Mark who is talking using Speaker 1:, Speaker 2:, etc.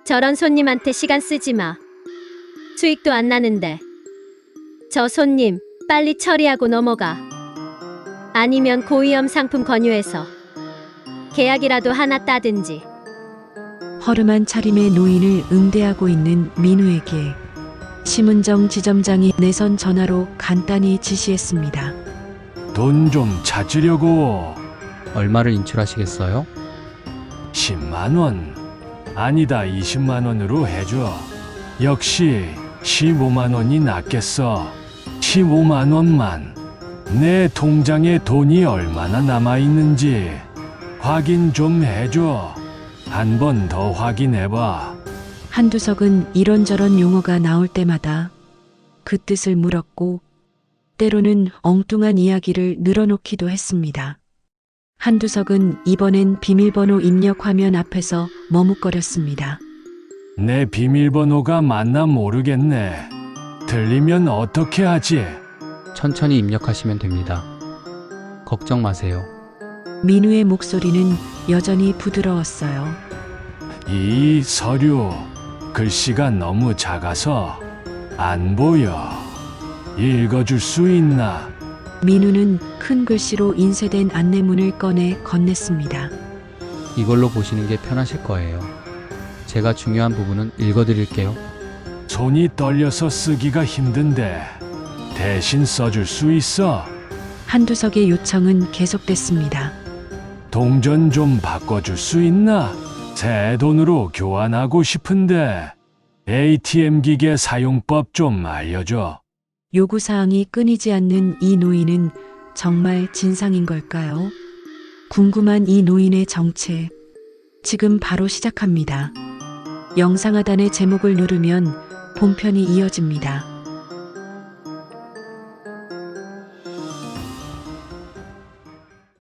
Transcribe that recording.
Speaker 1: 저런 손님한테 시간 쓰지 마. 수익도 안 나는데. 저 손님, 빨리 처리하고 넘어가. 아니면 고위험 상품 권유해서 계약이라도 하나 따든지.
Speaker 2: 허름한 차림의 노인을 응대하고 있는 민우에게 심은정 지점장이 내선 전화로 간단히 지시했습니다.
Speaker 3: 돈 좀 찾으려고.
Speaker 4: 얼마를 인출하시겠어요?
Speaker 3: 10만 원. 아니다, 20만 원으로 해줘. 역시 15만 원이 낫겠어. 15만 원만. 내 통장에 돈이 얼마나 남아 있는지 확인 좀 해줘. 한 번 더 확인해봐.
Speaker 2: 한두석은 이런저런 용어가 나올 때마다 그 뜻을 물었고 때로는 엉뚱한 이야기를 늘어놓기도 했습니다. 한두석은 이번엔 비밀번호 입력 화면 앞에서 머뭇거렸습니다.
Speaker 3: 내 비밀번호가 맞나 모르겠네. 들리면 어떻게 하지?
Speaker 4: 천천히 입력하시면 됩니다. 걱정 마세요.
Speaker 2: 민우의 목소리는 여전히 부드러웠어요.
Speaker 3: 이 서류 글씨가 너무 작아서 안 보여. 읽어줄 수 있나?
Speaker 2: 민우는 큰 글씨로 인쇄된 안내문을 꺼내 건넸습니다.
Speaker 4: 이걸로 보시는 게 편하실 거예요. 제가 중요한 부분은 읽어드릴게요.
Speaker 3: 손이 떨려서 쓰기가 힘든데 대신 써줄 수 있어?
Speaker 2: 한두석의 요청은 계속됐습니다.
Speaker 3: 동전 좀 바꿔줄 수 있나? 새 돈으로 교환하고 싶은데 ATM 기계 사용법 좀 알려줘.
Speaker 2: 요구사항이 끊이지 않는 이 노인은 정말 진상인 걸까요? 궁금한 이 노인의 정체, 지금 바로 시작합니다. 영상 하단의 제목을 누르면 본편이 이어집니다.